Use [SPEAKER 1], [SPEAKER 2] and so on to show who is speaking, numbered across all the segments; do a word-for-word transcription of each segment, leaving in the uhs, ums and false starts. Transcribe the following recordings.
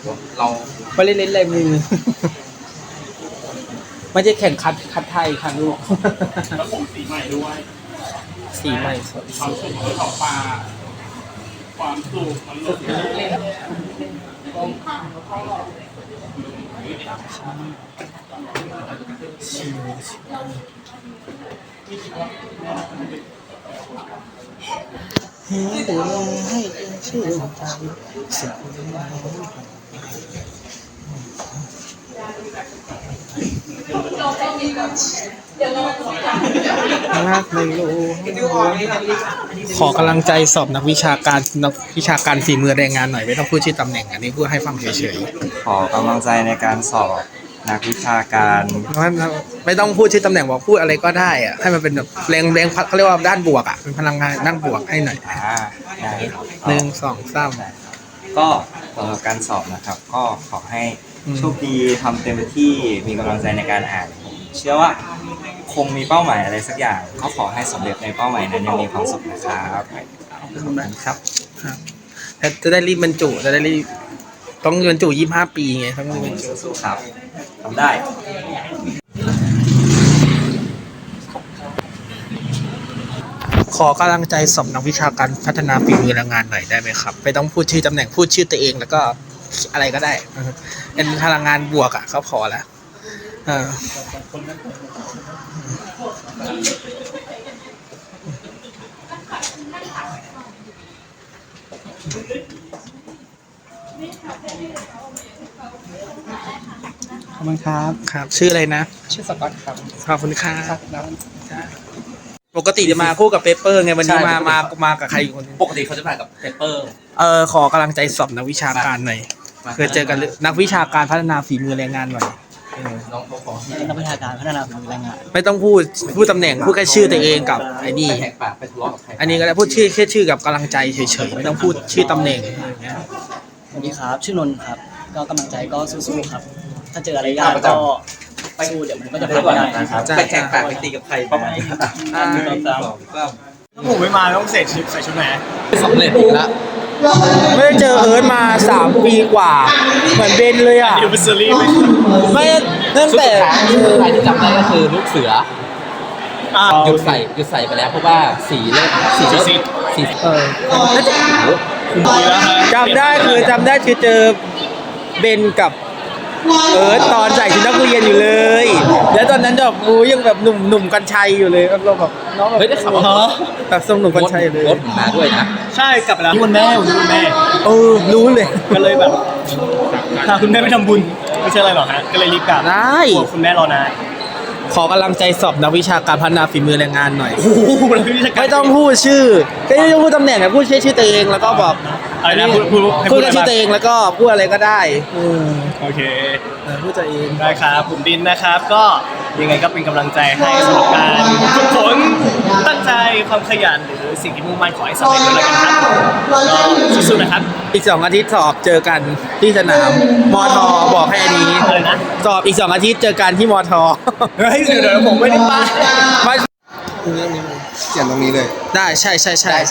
[SPEAKER 1] เราไม่ได้เล่นอะไรมือไม่ใช่แข่งคัดคัดไทยค่ะลูก
[SPEAKER 2] แล้วผมสีใหม่ด้วย
[SPEAKER 1] สีใหม่สด
[SPEAKER 2] ความสุขของปลาความสุขมันลดเล่น
[SPEAKER 1] ให้ดูแลให้ชื่อใจสิ่งรักไม่รู้ขอกำลังใจสอบนักวิชาการนักวิชาการฝีมือแรงงานหน่อยไม่ต้องพูดชื่อตำแหน่งอันนี้พูดให้ฟังเฉย
[SPEAKER 3] ขอกำลังใจในการสอบนักวิชาการ
[SPEAKER 1] ๆไม่ต้องพูดชื่อตำแหน่งบอกพูดอะไรก็ได้อะให้มันเป็นแบบแรงแรงเขาเรียกว่าด้านบวกอ่ะเป็นพลังงานด้านบวกให้หน่อย
[SPEAKER 3] อ่าได้ครับ
[SPEAKER 1] หนึ่งสองสาม
[SPEAKER 3] ก็สำหรับการสอบนะครับ ก็ขอให้โชคดีทำเต็มที่มีกำลังใจในการอ่านผมเชื่อว่าคงมีเป้าหมายอะไรสักอย่างก็ขอให้สำเร็จในเป้าหมายนั้นยังมีความสุขนะครับขอบคุณครับ
[SPEAKER 1] ครับแต่จะได้รีบบรรจุจะได้รีบต้องบรรจุยี่สิบห้าปีไงต้องรีบบรรจุ
[SPEAKER 3] สู้ๆครับทำได้
[SPEAKER 1] ขอกำลังใจสอบนักวิชาการพัฒนาฝีมือแรงงานหน่อยได้ไหมครับไม่ต้องพูดชื่อตำแหน่งพูดชื่อตัวเองแล้วก็อะไรก็ได้เป็นพลังงานบวกอ่ะเขาพอแล้วเออ
[SPEAKER 4] ขอบคุณครับ
[SPEAKER 1] ครับชื่ออะไรนะ
[SPEAKER 4] ชื่อสกอตครับ
[SPEAKER 1] ขอบคุณค่ะ
[SPEAKER 4] แล้ว
[SPEAKER 1] ปกติจะมาคู่กับเปเปอร์ไงวันนี้มามามากับใครอีกคนนึง
[SPEAKER 5] ปกติเขาจะมากับเปเปอร์
[SPEAKER 1] เออขอกำลังใจสอบนักวิชาการหน่อยเคยเจอกันหรือนักวิชาการพัฒนาฝีมือแรงงานหน่อยเออ
[SPEAKER 5] น้องเขาขอ
[SPEAKER 4] นักวิชาการพัฒนาฝีมือแรงงาน
[SPEAKER 1] ไม่ต้องพูดพูดตำแหน่งพูดแค่ชื่อตัวเองกับไอ้นี่
[SPEAKER 5] ไปแหกปากไปทะเลาะกับใคร
[SPEAKER 1] อันนี้ก็ได้พูดชื่อแค่ชื่อกับกำลังใจเฉยๆไม่ต้องพูดชื่อตำแหน่งอย่างเงี้ย
[SPEAKER 4] สวัสดีครับชื่อนนท์ครับก็กำลังใจก็สู้ๆครับ ถ้าเจออะไรยากก็สู้เดี๋ยวมันก็จะ
[SPEAKER 5] ไป
[SPEAKER 4] ผ่าน
[SPEAKER 5] ก่อน
[SPEAKER 4] ไปได้
[SPEAKER 5] นะครับไปแหกปากไปตีกับใครประมาณนี้
[SPEAKER 1] อ่า
[SPEAKER 6] ถ้าผมไม่มาต้องใส่ชุดใส่ชุดไหน
[SPEAKER 5] สำเร็จอีกแล้ว
[SPEAKER 1] ไม่ได้เจอเอิร์ธมาสามปีกว่า เหมือนเบนเลยอ่ะ
[SPEAKER 6] ยูเวอร์ซรี่ไหม
[SPEAKER 1] ไม่ตั้งแต่
[SPEAKER 5] ใครที่จำได้ก็คือลูกเสือหยุดใส่หยุดใส่ไปแล้วเพราะว่าสีเริ่มสีเริ่มสี
[SPEAKER 1] เออน่าจะ
[SPEAKER 6] ดีแล้วฮะ
[SPEAKER 1] จำได้คือจำได้คือเจอเบนกับเอิร์ธตอนใส่ชุดนักเรียนอยู่เลย แล้วตอนนั้นแบบอู้ยังแบบหนุ่มหนุ่มกัญชัยอยู่เลยเราแบบน้องแบบ
[SPEAKER 5] เฮ้ยได้ข่าวว่า
[SPEAKER 1] แบบทรงหนุ่มกัญชัยเลย
[SPEAKER 5] รถมาด้วยนะ
[SPEAKER 6] ใช่กลับไปแล้วที่วันแม่วันนี้วันแม่
[SPEAKER 1] เออรู้เลย
[SPEAKER 6] ก็เลยแบบพาคุณแม่ไปทำบุญไม่ใช่อะไรหรอกฮะก็เลยรีบกลับ
[SPEAKER 1] ได้
[SPEAKER 6] กลัวคุณแม่รอนาน
[SPEAKER 1] ขอกำลังใจสอบนักวิชาการพัฒนาฝีมือแรงงานหน่อย
[SPEAKER 6] โอ้โหมันไม่ใช่การ
[SPEAKER 1] ไม่ต้องพูดชื่อก็ไม่ต้องพูดตำแหน่งอะพูดแค่ชื่อตัวเองแล้วก็บอก
[SPEAKER 6] อะไรนะพูดพูดให้
[SPEAKER 1] พู
[SPEAKER 6] พู
[SPEAKER 1] ด
[SPEAKER 6] ด
[SPEAKER 1] แค่
[SPEAKER 6] อะไร
[SPEAKER 1] ชื่อ
[SPEAKER 6] บ้าง
[SPEAKER 1] ตัวเองแล้วก็พูดอะไรก็ได้เออ
[SPEAKER 6] โอเค
[SPEAKER 1] เออพูดตัวเอง
[SPEAKER 6] ได้ครับผมดินนะครับก็ยังไงก็เป็นกำลังใจให้สำหรับการฝึกฝนตั้งใจความขยันหรือสิ่งที่มุ่งมั่นขอให้สำเร็จด้วยกันครับก็สู้ๆนะครับ
[SPEAKER 1] อีกสองอาทิตย์สอบเจอกันที่สนามมอทอบอกให้อันนี้
[SPEAKER 6] อะไรนะ
[SPEAKER 1] สอบอีกสองอาทิตย์เจอกันที่มอทอ
[SPEAKER 6] เฮ้ยเดี๋ยวเดี๋ยวผมไม่ได้ไป
[SPEAKER 1] ไม่
[SPEAKER 3] เขียนตรงนี้เลย
[SPEAKER 1] ได้ใช่ใช่ใช่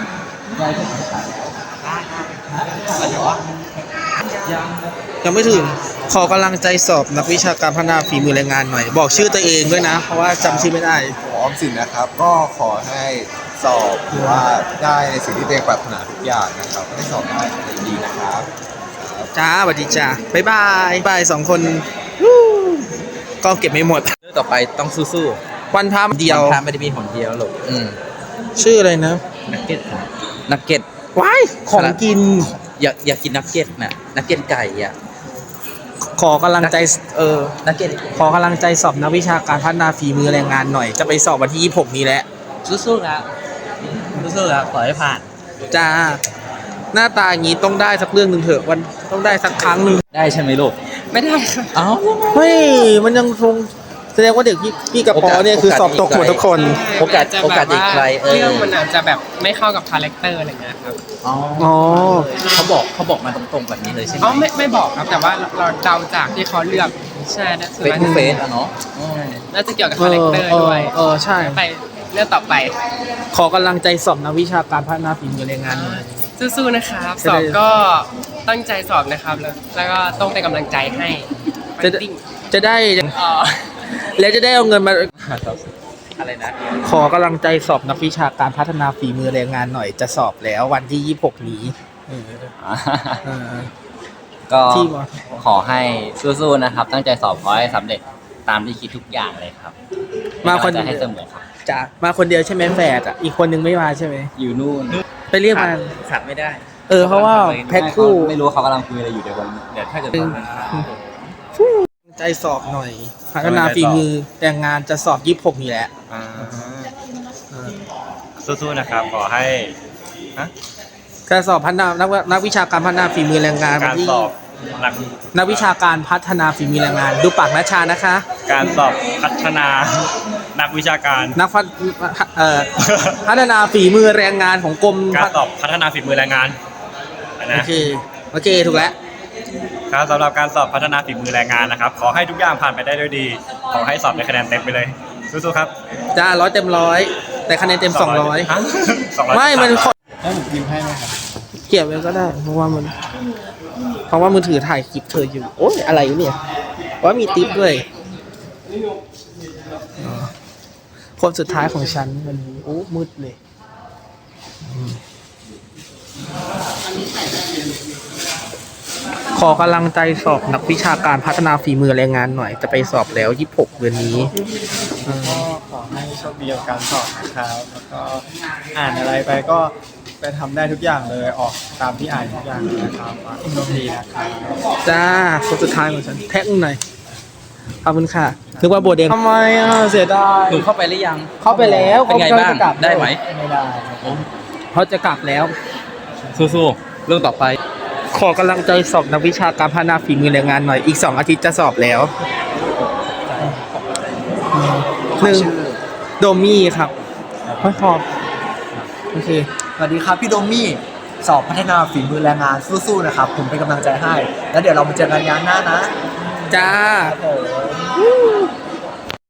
[SPEAKER 1] ยังไม่ถึงขอกำลังใจสอบนักวิชาการพัฒนาฝีมือแรงงานหน่อย บอกชื่อตัวเองด้วยนะ เพราะว่าจำชื่อไม่ได้
[SPEAKER 7] ออมสินนะครับก็ขอให้สอบหรือว่าได้ในสิ่งที่ตัวเองปรารถนาทุกอย่างนะครับให้สอบได้ดีนะครับ
[SPEAKER 1] จ้าสวัสดีจ้าบ๊ายบายบายสองคนวู้ก็เก็บไม่หมด
[SPEAKER 5] เรื่องต่อไปต้องสู้
[SPEAKER 1] วันพาม
[SPEAKER 5] ๆ
[SPEAKER 1] เดียว
[SPEAKER 5] ทางไม่ได้มีหนเดียวหรอกอืม
[SPEAKER 1] ชื่ออะไรนะ
[SPEAKER 5] นักเก็ตนักเก็ต
[SPEAKER 1] ว้ายของกิน
[SPEAKER 5] อยากอยากกินนักเก็ตน่ะนักเก็ตไก่อ่ะ
[SPEAKER 1] ขอกำลังใจเออ
[SPEAKER 5] นักเก็ต
[SPEAKER 1] ขอกำลังใจสอบนักวิชาการพัฒนาฝีมือแรงงานหน่อย จะไปสอบวันที่ยี่สิบหกนี้แหละ
[SPEAKER 5] สู้ๆนะสู้ๆนะขอให้ผ่าน
[SPEAKER 1] จ้า หน้าตาอย่างนี้ต้องได้สักเรื่องหนึ่งเถอะวันต้องได้สักครั้งหนึ่ง
[SPEAKER 5] ได้ใช่ไหมลูกไม่ได้ค่ะเอ้า
[SPEAKER 1] เฮ้ยมันยังคงแสดงว่าเด็กพี่พี่กับปอเนี่ยคือสอบตกหมดทุกคน
[SPEAKER 5] โอกาสโอกาสอีกไกลเออ
[SPEAKER 8] เรื่องมันอาจจะแบบไม่เข้ากับคาแรคเตอร์อะไรเงี้ยครับ
[SPEAKER 5] อ๋อ
[SPEAKER 1] อ๋อ
[SPEAKER 5] เขาบอกเขาบอกมาตรงๆแบบนี้เลยใช่ไหม
[SPEAKER 8] อ๋อไม่ไม่บอกครับแต่ว่าเราเดาจากที่เขาเลือกใช่นะส่วน
[SPEAKER 5] เฟซ
[SPEAKER 8] มาก
[SPEAKER 5] ทูเฟซอะเนาะอืม
[SPEAKER 8] น่าจะเกี่ยวกับ
[SPEAKER 1] เอ
[SPEAKER 8] คาแร
[SPEAKER 1] อ
[SPEAKER 8] คเตอร์
[SPEAKER 1] เอ
[SPEAKER 8] ด้
[SPEAKER 1] อ
[SPEAKER 8] วย
[SPEAKER 1] เออใช่
[SPEAKER 8] ไปเรื่องต่อไป
[SPEAKER 1] ขอกำลังใจสอบนักวิชาการพัฒนาฝีมือแรงงานหน่อย
[SPEAKER 8] สู้ๆนะครับ
[SPEAKER 1] จะ
[SPEAKER 8] ส
[SPEAKER 1] ได้
[SPEAKER 8] อบก็ตั้งใจสอบนะครับ แล้วแล้วก็ต้องเป็นกำลังใจให้
[SPEAKER 1] จะ
[SPEAKER 8] ติ้ง
[SPEAKER 1] จะได้
[SPEAKER 8] อ๋อ
[SPEAKER 1] แล้วจะได้เอาเงินมา
[SPEAKER 5] อะไรนะ
[SPEAKER 1] ขอกำลังใจสอบนักวิชาการพัฒนาฝีมือแรงงานหน่อยจะสอบแล้ววันที่ยี่สิบหกนี้เออเออ
[SPEAKER 9] ก็
[SPEAKER 1] ที่ม
[SPEAKER 9] ขอให้สู้ๆนะครับ ตั้งใจสอบขอให้สำเร็จตามที่คิดทุกอย่างเลยครับ
[SPEAKER 1] มาคน
[SPEAKER 9] จะให้เสมอครับ
[SPEAKER 1] จ้ะมาคนเดียวใช่ไหมแฝดอ่ะอีกคนนึงไม่มาใช่ไหม
[SPEAKER 9] อยู่นู่น
[SPEAKER 1] ไปเรียกมา
[SPEAKER 5] ขาดไม่ได้
[SPEAKER 1] เออเพราะว่าแพ็คคู่
[SPEAKER 9] ไม่รู้เขากำลังคุยอะไรอยู่เดี๋ยวผมเดี๋ยวถ้าเกิดว่ามัน
[SPEAKER 1] ใจสอบหน่อย พัฒนาฝีมือแรงงานจะสอบยี่สิบหกนี่แหละ
[SPEAKER 3] สู้ๆนะครับ ขอให้
[SPEAKER 1] การสอบพัฒนานักนักวิชาการพัฒนาฝีมือแรงงาน
[SPEAKER 3] การสอบหลัก
[SPEAKER 1] นักวิชาการพัฒนาฝีมือแรงงาน ดูปากนัชชานะคะ
[SPEAKER 3] การสอบพัฒนานักวิชาการ
[SPEAKER 1] นักพัฒเอ่อ พัฒนาฝีมือแรงงานของกรม
[SPEAKER 3] การสอบพัฒนาฝีมือแรงงาน
[SPEAKER 1] โอ
[SPEAKER 3] นะ
[SPEAKER 1] เคโอเคถูกแล้ว
[SPEAKER 3] ครับสำหรับการสอบพัฒนาฝีมือแรงงานนะครับ ขอให้ทุกอย่างผ่านไปได้ด้วยดี ขอให้สอบได้คะแนนเต็มไปเลยสู้ๆครับ
[SPEAKER 1] จ้าร้อยเต็มร้อยแต่คะแนนเต็มสองร้อย
[SPEAKER 3] ฮะสองร้อย
[SPEAKER 1] ไม่มันขอ
[SPEAKER 6] ให้ผมพิมพ์ให้ไหมครับ
[SPEAKER 1] เก็บไว้ก็ได้ เพราะว่ามัน เพราะว่ามือถือถ่ายคลิปเธออยู่ โอ้ยอะไรอยู่เนี่ยว่ามีติ๊บด้วยอ๋อคนสุดท้ายของฉันวันนี้โอ้มืดเลยอืมขอกำลังใจสอบนักวิชาการพัฒนาฝีมือแรงงานหน่อย จะไปสอบแล้วยี่สิบหกเดือนนี้อืม
[SPEAKER 6] ก็ขอให้โชคดีกับการสอบนะครับ แล้วก็อ่านอะไรไปก็ไปทำได้ทุกอย่างเลย ออกตามที่อ่านทุกอย่างเลยนะครับโชคดีนะครับ
[SPEAKER 1] จ้าคนสุดท้ายของฉันแท็กหน่อยขอบคุณค่ะนึกว่าโบเดงทำไมอ่ะเสียดาย
[SPEAKER 5] หนูเข้าไปหรือยัง
[SPEAKER 1] เข้าไปแล้ว
[SPEAKER 5] เป็นไงบ้าง
[SPEAKER 1] เขาจะกลับ
[SPEAKER 5] ได้ไหม
[SPEAKER 6] ไม่ได้
[SPEAKER 1] เขาจะกลับแล้ว
[SPEAKER 5] สู้ๆเรื่องต่อไป
[SPEAKER 1] ขอกำลังใจสอบนักวิชาการพัฒนาฝีมือแรงงานหน่อยอีกสองอาทิตย์จะสอบแล้วหนึ่งโดมี่ครับไม่ขอบโอเค
[SPEAKER 4] สวัสดีครับพี่โดมี่สอบพัฒนาฝีมือแรงงานสู้ๆนะครับ ผมเป็นกำลังใจให้ แล้วเดี๋ยวเรามาเจอกันงานหน้านะ
[SPEAKER 1] จ้า
[SPEAKER 4] ครับผม